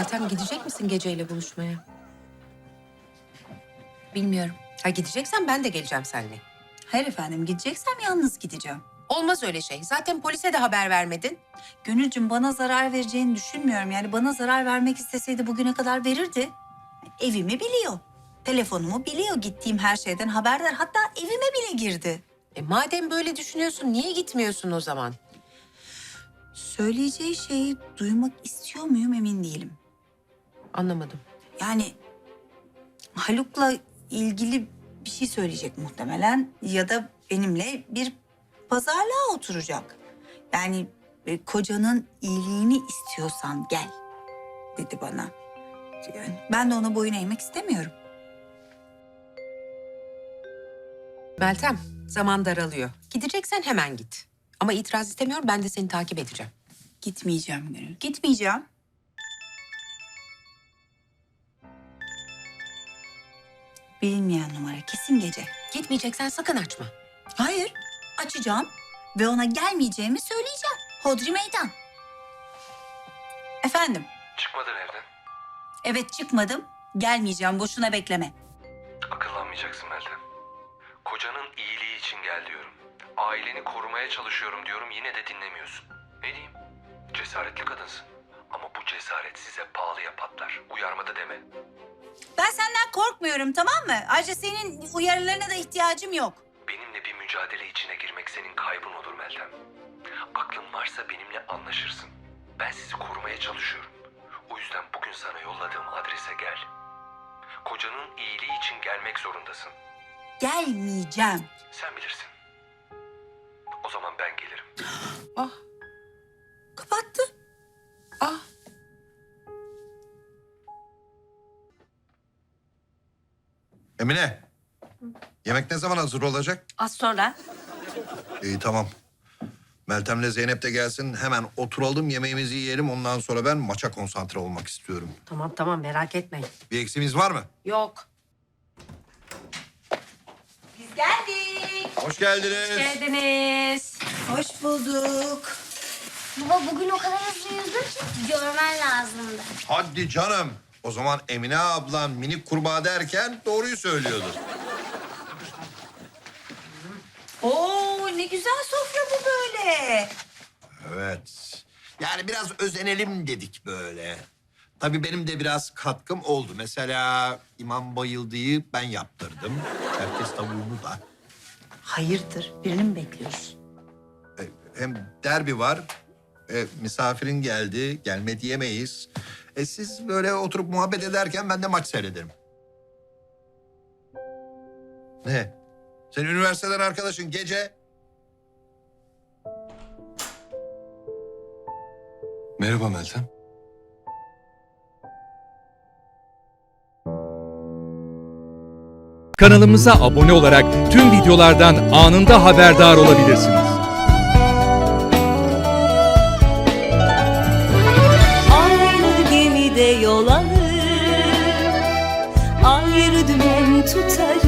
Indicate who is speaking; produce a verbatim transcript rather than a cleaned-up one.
Speaker 1: Meltem, gidecek misin geceyle buluşmaya?
Speaker 2: Bilmiyorum.
Speaker 1: Ha, gideceksen ben de geleceğim seninle.
Speaker 2: Hayır efendim, gideceksem yalnız gideceğim.
Speaker 1: Olmaz öyle şey. Zaten polise de haber vermedin.
Speaker 2: Gönülcüm, bana zarar vereceğini düşünmüyorum. Yani bana zarar vermek isteseydi bugüne kadar verirdi. Evimi biliyor. Telefonumu biliyor. Gittiğim her şeyden haberdar. Hatta evime bile girdi.
Speaker 1: E madem böyle düşünüyorsun, niye gitmiyorsun o zaman?
Speaker 2: Söyleyeceği şeyi duymak istiyor muyum emin değilim.
Speaker 1: Anlamadım.
Speaker 2: Yani Haluk'la ilgili bir şey söyleyecek muhtemelen. Ya da benimle bir pazarlığa oturacak. Yani e, kocanın iyiliğini istiyorsan gel dedi bana. Yani ben de ona boyun eğmek istemiyorum.
Speaker 1: Meltem, zaman daralıyor. Gideceksen hemen git. Ama itiraz istemiyorum, ben de seni takip edeceğim.
Speaker 2: Gitmeyeceğim Gönül, gitmeyeceğim. Bilinmeyen numara, kesin gece.
Speaker 1: Gitmeyeceksen sakın açma.
Speaker 2: Hayır, açacağım ve ona gelmeyeceğimi söyleyeceğim. Hodri meydan. Efendim?
Speaker 3: Çıkmadın evden.
Speaker 2: Evet, çıkmadım. Gelmeyeceğim, boşuna bekleme.
Speaker 3: Akıllanmayacaksın Meltem. Kocanın iyiliği için gel diyorum. Aileni korumaya çalışıyorum diyorum, yine de dinlemiyorsun. Ne diyeyim? Cesaretli kadınsın. Ama bu cesaret size pahalıya patlar. Uyarmadı deme.
Speaker 2: Ben senden korkmuyorum, tamam mı? Ayrıca senin uyarılarına da ihtiyacım yok.
Speaker 3: Benimle bir mücadele içine girmek senin kaybın olur Meltem. Aklın varsa benimle anlaşırsın. Ben sizi korumaya çalışıyorum. O yüzden bugün sana yolladığım adrese gel. Kocanın iyiliği için gelmek zorundasın.
Speaker 2: Gelmeyeceğim.
Speaker 3: Sen bilirsin. O zaman ben gelirim.
Speaker 1: Ah,
Speaker 2: Kapattı.
Speaker 1: ah.
Speaker 4: Emine, yemek ne zaman hazır olacak?
Speaker 2: Az sonra.
Speaker 4: İyi tamam. Meltem'le Zeynep de gelsin. Hemen oturalım, yemeğimizi yiyelim. Ondan sonra ben maça konsantre olmak istiyorum.
Speaker 1: Tamam tamam, merak etmeyin.
Speaker 4: Bir eksiğimiz var mı?
Speaker 1: Yok.
Speaker 2: Biz geldik.
Speaker 4: Hoş geldiniz.
Speaker 1: Geldiniz.
Speaker 2: Hoş bulduk.
Speaker 5: Baba bugün o kadar hızlı yüzdüm ki görmen lazımdı.
Speaker 4: Hadi canım. O zaman Emine ablan minik kurbağa derken doğruyu söylüyordur.
Speaker 2: Oo, ne güzel sofra bu böyle.
Speaker 4: Evet. Yani biraz özenelim dedik böyle. Tabii benim de biraz katkım oldu. Mesela İmam Bayıldı'yı ben yaptırdım. Herkes tavuğunu da.
Speaker 2: Hayırdır, birini mi bekliyoruz?
Speaker 4: E, Hem derbi var. E, misafirin geldi. Gelme diyemeyiz. E, siz böyle oturup muhabbet ederken ben de maç seyrederim. Ne? Sen üniversiteden arkadaşın gece...
Speaker 3: Merhaba Meltem.
Speaker 6: Kanalımıza abone olarak tüm videolardan anında haberdar olabilirsiniz.
Speaker 7: Aynı gemide yol alır, ayrı dümen tutarız.